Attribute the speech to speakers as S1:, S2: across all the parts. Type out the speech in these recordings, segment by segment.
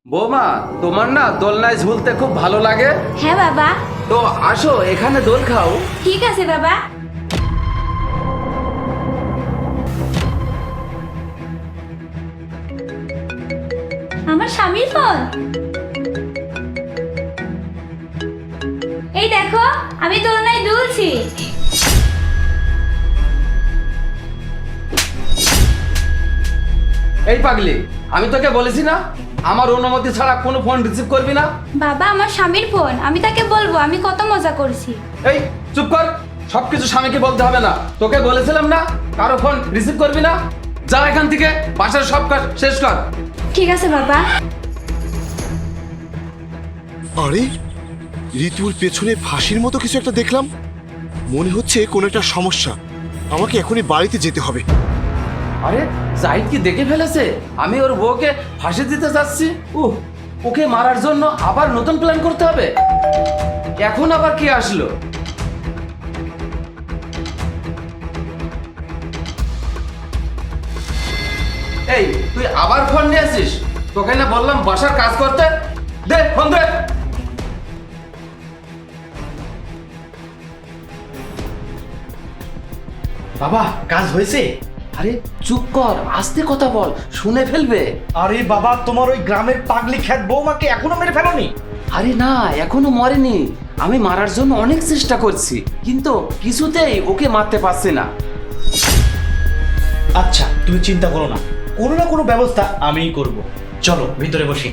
S1: বৌমা, তোমার না দোলনায় ঝুলতে খুব ভালো লাগে।
S2: হ্যাঁ বাবা।
S1: তো আসো এখানে দোল খাও।
S2: ঠিক আছে বাবা। আমার স্বামীর ফোন। এই দেখো, আমি দোলনায় দুলছি।
S1: এই পাগলি, আমি তোকে বলেছি না আমার অনুমতি ছাড়া কোনো ফোন রিসিভ করবি না।
S2: বাবা, আমার স্বামীর ফোন, আমি তাকে বলবো আমি কত মজা করছি।
S1: এই চুপ কর, সবকিছু স্বামীকে বলতে হবে না। তোকে বলেছিলাম না কারো ফোন রিসিভ করবি না। যা এখান থেকে, বাসার সব কাজ শেষ কর।
S2: ঠিক আছে বাবা।
S3: আরে ঋতুর পেছনে ফাঁসির মতো কিছু একটা দেখলাম। মনে হচ্ছে কোনো একটা সমস্যা। আমাকে এখনই বাড়িতে যেতে হবে।
S1: আরে জাহিদ কি দেখে ফেলেছে আমি ওর বউকে ফাঁসি দিতে যাচ্ছি? ওকে মারার জন্য আবার নতুন প্ল্যান করতে হবে। এখন আবার কি আসলো? এই তুই আবার ফোন নিয়ে আসিস? তোকে না বললাম বাসার কাজ করতে। দে ফোন দে।
S4: বাবা, কাজ হয়েছে?
S1: আরে চুপ কর, আস্তে কথা বল, শুনে ফেলবে।
S4: আরে বাবা, তোমার ওই গ্রামের পাগলি খ্যাত বৌমাকে এখনো মেরে ফেলোনি?
S1: আরে না, এখনো মরেনি। আমি মারার জন্য অনেক চেষ্টা করছি, কিন্তু কিছুতেই ওকে মারতে পারছি না।
S4: আচ্ছা, তুমি চিন্তা করো না, কোনো না কোনো ব্যবস্থা আমিই করব। চলো ভিতরে বসি।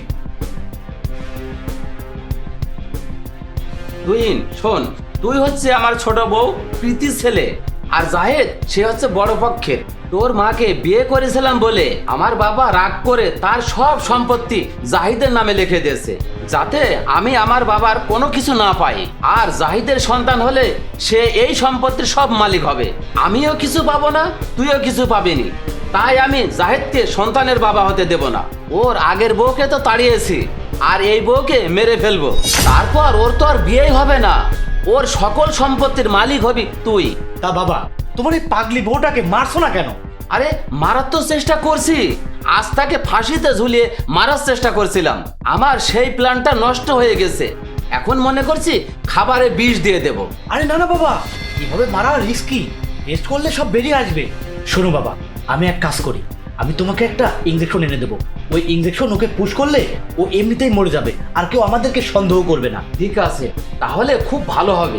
S1: তুহিন শোন, তুই হচ্ছে আমার ছোট বউ প্রীতির ছেলে, আর জাহেদ সে হচ্ছে বড় পক্ষের। তোর মাকে বিয়ে করেছিলাম বলে আমার বাবা রাগ করে তার সব সম্পত্তি জাহিদের নামে লিখে দিয়েছে, যাতে আমি আমার বাবার কোনো কিছু না পাই। আর জাহিদের সন্তান হলে সে এই সম্পত্তির সব মালিক হবে। আমিও কিছু পাবো না, তুইও কিছু পাবিনি। তাই আমি জাহিদকে সন্তানের বাবা হতে দেব না। ওর আগের বউকে তো তাড়িয়েছি, আর এই বউকে মেরে ফেলবো। তারপর ওর তো আর বিয়েই হবে না, ওর সকল সম্পত্তির মালিক হবি তুই।
S4: তা বাবা, তোমার এই পাগলি বউটাকে মারছো না কেন?
S1: আরে মারার তো চেষ্টা করছি, আজ তাকে ফাঁসিতে ঝুলিয়ে মারার চেষ্টা করছিলাম। আমার সেই প্ল্যানটা নষ্ট হয়ে গেছে। এখন মনে করছি খাবারে বিষ দিয়ে দেব।
S4: আরে না না বাবা, এভাবে মারা রিস্কি। টেস্ট করলে সব বেরিয়ে আসবে। শোনো বাবা, আমি এক কাজ করি, আমি তোমাকে একটা ইঞ্জেকশন এনে দেবো। ওই ইঞ্জেকশন ওকে পুশ করলে ও এমনিতেই মরে যাবে, আর কেউ আমাদেরকে সন্দেহ করবে না।
S1: ঠিক আছে, তাহলে খুব ভালো হবে।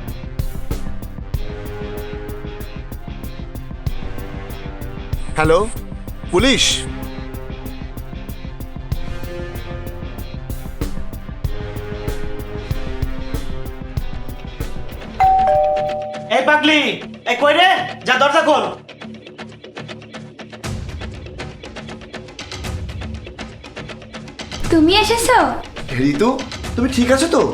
S3: Hello, police?
S4: এই পাগলি, এই কই রে? যা দরজা খোল।
S2: তুমি এসেছো?
S3: ঋতু, তুমি ঠিক আছো তো?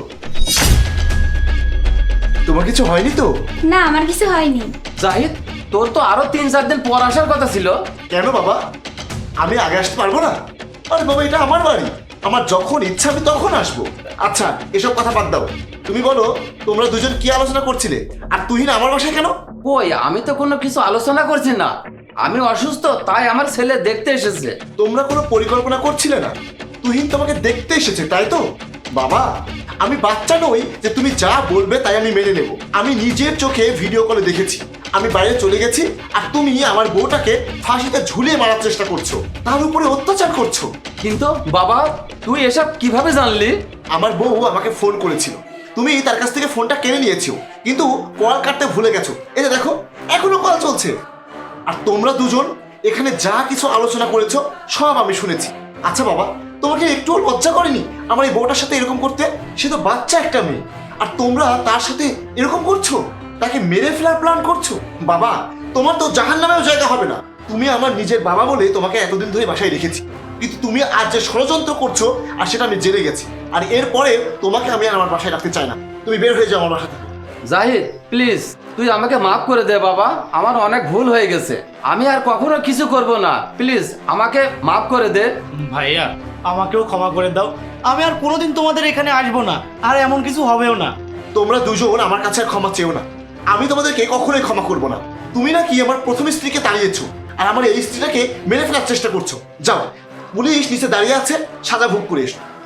S3: তোমার কিছু হয়নি তো?
S2: না, আমার কিছু হয়নি।
S1: জাহিদ, তোর তো আরো 3-4 দিন পর আসার কথা ছিল।
S3: কেন বাবা, আমি আগে আসতে পারবো না? আরে বাবা, এটা আমার বাড়ি, আমার যখন ইচ্ছা আমি তখন আসবো। আচ্ছা, এসব কথা বাদ দাও। তুমি বলো, তোমরা দুজন কি আলোচনা করছিলে? আর তুহিন আমার বাসায় কেন?
S1: কই, আমি তো কোনো কিছু আলোচনা করছি না। আমি অসুস্থ, তাই আমার ছেলে দেখতে এসেছে।
S3: তোমরা কোনো পরিকল্পনা করছিলে না? তুহিন তোমাকে দেখতে এসেছে, তাই তো? বাবা, আমি বাচ্চা নই যে তুমি যা বলবে তাই আমি মেনে নেব। আমি নিজের চোখে ভিডিও কলে দেখেছি। আমি বাইরে চলে গেছি, আর তুমি আমার বউটাকে ফাঁসিতে ঝুলিয়ে মারার চেষ্টা করছো, তার উপরে অত্যাচার করছো।
S1: কিন্তু বাবা, তুই এসব কিভাবে জানলি?
S3: আমার বউ আমাকে ফোন করেছিল। তুমি তার কাছ থেকে ফোনটা কিনে নিয়েছো, কিন্তু কল কাটতে ভুলে গেছো। এই যে দেখো, এখনো কল চলছে। আর তোমরা দুজন এখানে যা কিছু আলোচনা করেছো সব আমি শুনেছি। আচ্ছা বাবা, তোমাকে একটুও লজ্জা করেনি আমার এই বউটার সাথে এরকম করতে? সে তো বাচ্চা একটা মেয়ে, আর তোমরা তার সাথে এরকম করছো, তাকে মেরে ফেলার প্ল্যান করছো। বাবা, তোমার তো জাহান্নামেও জায়গা হবে না। তুমি আমার নিজের বাবা বলে তোমাকে এতদিন ধরে বাসায় রেখেছি, কিন্তু তুমি আজ যে ষড়যন্ত্র করছো, আর সেটা আমি জেনে গেছি। আর এরপরে তোমাকে আমি আর আমার বাসায় রাখতে চাই না। তুমি বের হয়ে যাও আমার বাসা থেকে।
S1: জাহিদ প্লিজ, তুই আমাকে মাফ করে দে বাবা, আমার অনেক ভুল হয়ে গেছে। আমি আর কখনো কিছু করব না, প্লিজ আমাকে মাফ করে দে।
S4: ভাইয়া, আমাকেও ক্ষমা করে দাও। আমি আর কোনোদিন তোমাদের এখানে আসবো না, আর এমন কিছু হবেও না।
S3: তোমরা দুজন আমার কাছে আর ক্ষমা চেও না। আমি তোমাদেরকে কখনোই ক্ষমা করবো না। তুমি নাকি আমার প্রথম স্ত্রীকে তাড়িয়েছো, আর আমার এই স্ত্রীটাকে মেরে ফেলার চেষ্টা করছো। যাও, পুলিশ নিচে দাঁড়িয়ে আছে, সাজা ভোগ করে এসো।